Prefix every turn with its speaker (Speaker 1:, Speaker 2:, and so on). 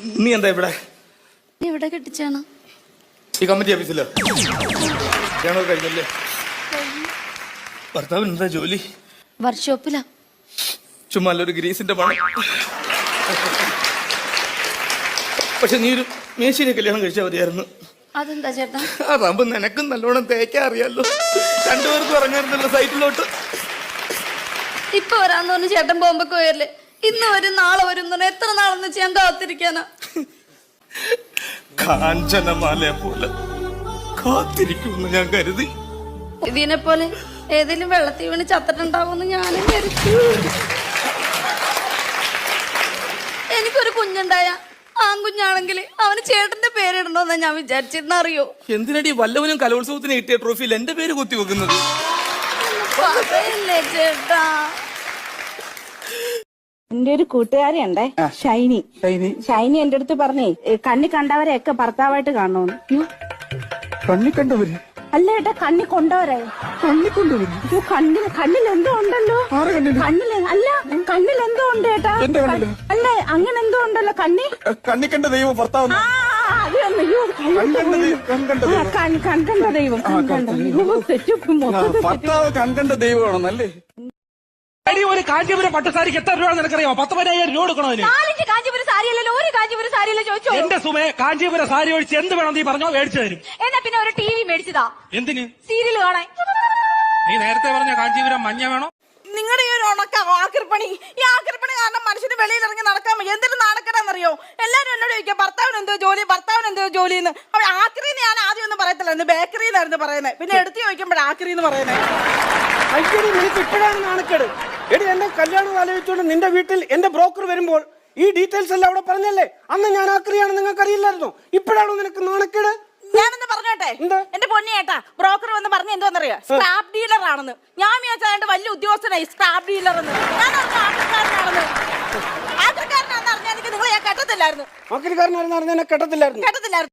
Speaker 1: നീ എന്താ ഇവിടെ?
Speaker 2: ഇവിടെ കെട്ടിച്ചാണ്
Speaker 1: ഈ കമ്മിറ്റി ഓഫീസിലോ? കഴിഞ്ഞല്ലേ? ഭർത്താവിന് എന്താ ജോലി?
Speaker 2: വർക്ക്ഷോപ്പിലാ.
Speaker 1: ചുമ്മാ ഒരു ഗ്രീസിന്റെ പണം. പക്ഷെ നീ ഒരു മേശിനെ കല്യാണം കഴിച്ചാൽ മതിയായിരുന്നു.
Speaker 2: അതെന്താ ചേട്ടാ?
Speaker 1: അതാകുമ്പോ നിനക്കും നല്ലോണം തേക്കാൻ അറിയാലോ. രണ്ടുപേർക്കും ഇറങ്ങാറുണ്ടല്ലോ സൈറ്റിലോട്ട്.
Speaker 2: ഇപ്പൊ വരാന്ന് പറഞ്ഞ് ചേട്ടൻ ബോംബൊക്കെ പോയല്ലേ? ഇന്ന് വരും നാളെ വരും എത്ര നാളെന്ന് വെച്ച് ഞാൻ കാത്തിരിക്കാനാ?
Speaker 1: കാഞ്ചനമാലയെ പോലെ കാത്തിരിക്കുമെന്ന് ഞാൻ കരുതി.
Speaker 2: ഇതിനെ പോലെ ഏതെങ്കിലും വെള്ളത്തിൽ വീണ് ചത്തിട്ടുണ്ടാവുമെന്ന് ഞാനും കരുതി. എനിക്കൊരു കുഞ്ഞുണ്ടായ ആൺകുഞ്ഞാണെങ്കിൽ അവന് ചേട്ടന്റെ പേരിടണോന്നാ ഞാൻ വിചാരിച്ചിരുന്ന. അറിയോ
Speaker 1: എന്തിനടി വല്ലവനും കലോത്സവത്തിന് കിട്ടിയ ട്രോഫിയിൽ എന്റെ പേര് കുത്തി വെക്കുന്നത്?
Speaker 2: ചേട്ടാ,
Speaker 3: എന്റെ ഒരു കൂട്ടുകാരിയുണ്ടേ, ഷൈനി. ഷൈനി എന്റെ അടുത്ത് പറഞ്ഞേ കണ്ണി കണ്ടവരെയൊക്കെ ഭർത്താവായിട്ട് കാണുമെന്ന്.
Speaker 4: കണ്ണി കണ്ടവര്
Speaker 3: അല്ല ഏട്ടാ, കണ്ണി കൊണ്ടവരെ.
Speaker 4: കണ്ണി കൊണ്ടവര്
Speaker 3: കണ്ണിൽ എന്തോ ഉണ്ടല്ലോ. അല്ല കണ്ണിൽ എന്തോ ഉണ്ട് ഏട്ടാ. അല്ല അങ്ങനെ എന്തോ ഉണ്ടല്ലോ കണ്ണി.
Speaker 4: കണ്ണി കണ്ട ദൈവം ഭർത്താവ്.
Speaker 3: കൺകണ്ട ദൈവം.
Speaker 4: ഭർത്താവ് കൺകണ്ട ദൈവമാണെന്നല്ലേ?
Speaker 5: ഒരു കാഞ്ചീപുരം പട്ടുസാരിക്ക് എത്ര രൂപ നിനക്കറിയാമോ? 10,000 രൂപ കൊടുക്കണോ?
Speaker 2: കാഞ്ചീപുരം സാരിയല്ലോ, ഒരു കാഞ്ചീപുരം സാരിയല്ലോ ചോദിച്ചോ.
Speaker 5: എന്റെ സുമേ, കാഞ്ചീപുരം സാരി ഒഴിച്ച് എന്ത് വേണം നീ പറഞ്ഞോ, മേടിച്ചു തരും.
Speaker 2: എന്നാ പിന്നെ ഒരു TV മേടിച്ചതാ.
Speaker 5: എന്തിന്?
Speaker 2: സീരിയൽ കാണാൻ.
Speaker 5: നീ നേരത്തെ പറഞ്ഞ കാഞ്ചീപുരം മഞ്ഞ വേണോ?
Speaker 3: നിങ്ങളുടെ ഈ ഒരു ഉണക്ക ആക്രിപ്പണി, ഈ ആക്രിപ്പണി കാരണം മനുഷ്യന് വെളിയിൽ ഇറങ്ങി നടക്കാൻ എന്തൊരു നാണക്കേടാന്നറിയോ? എല്ലാരും എന്നോട് ചോദിക്കാം ഭർത്താവിന് എന്തോ ജോലി, ഭർത്താവിന് എന്തോ ജോലി എന്ന്. അവിടെ ആക്രിന്ന് ഞാൻ ആദ്യം ഒന്നും പറയത്തില്ലായിരുന്നു, ബേക്കറിന്നായിരുന്നു പറയുന്നത്. പിന്നെ എടുത്ത് ചോദിക്കുമ്പോൾ ആക്രി എന്ന് പറയുന്നത്.
Speaker 6: അയ്യടി, നിനക്ക് ഇപ്പോഴാണ് നാണക്കേട്. എടി, എന്റെ കല്യാണം ആലോചിച്ചുകൊണ്ട് നിന്റെ വീട്ടിൽ എന്റെ ബ്രോക്കർ വരുമ്പോൾ ഈ ഡീറ്റെയിൽസ് എല്ലാം അവിടെ പറഞ്ഞല്ലേ? അന്ന് ഞാൻ ആക്രിയാണ്, നിങ്ങൾക്ക് അറിയില്ലായിരുന്നോ? ഇപ്പോഴാണോ നിനക്ക് നാണക്കേട്?
Speaker 3: ഞാനെന്ന് പറഞ്ഞോട്ടെ, എന്റെ പൊന്നിയേട്ടാ, ബ്രോക്കർ വന്ന് പറഞ്ഞ എന്തോന്നറിയോ? സ്ക്രാപ്പ് ഡീലർ ആണെന്ന്. ഞാൻ വിചാരിച്ചാണ്ട് വലിയ ഉദ്യോഗസ്ഥനായി സ്ക്രാപ്പ് ഡീലർ എന്ന്. ഞാൻ ആക്രിക്കാരനാണെന്ന്. ആക്രിക്കാരനാണെന്ന് അറിഞ്ഞാൽ നിങ്ങൾ ഞാൻ കെട്ടത്തില്ലായിരുന്നു.
Speaker 6: ആക്രിക്കാരനായിരുന്നു അറിഞ്ഞാൽ കെട്ടത്തില്ലായിരുന്നു.